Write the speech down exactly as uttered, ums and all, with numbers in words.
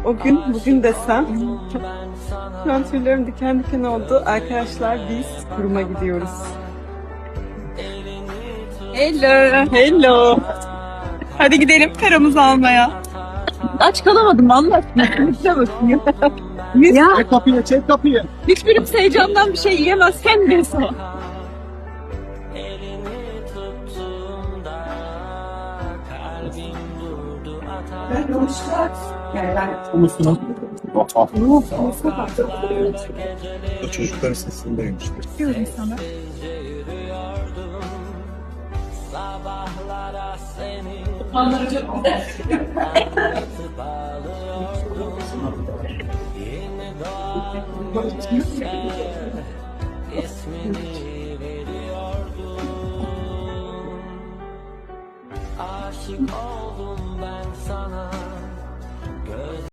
o gün bugün desem. Şu an tüylerim diken diken oldu. Arkadaşlar biz kuruma gidiyoruz. Hello. Hello. Hadi gidelim paramızı almaya. Aç kalamadım Allah aşkına. Bakayım. Ya. Çek kapıyı, çek kapıyı. Hiçbirimiz heyecandan bir şey yiyemez. Sen de so. Ulusunu. O çocukların sesindeymiş. Diyorum sana. Onları çok güzel.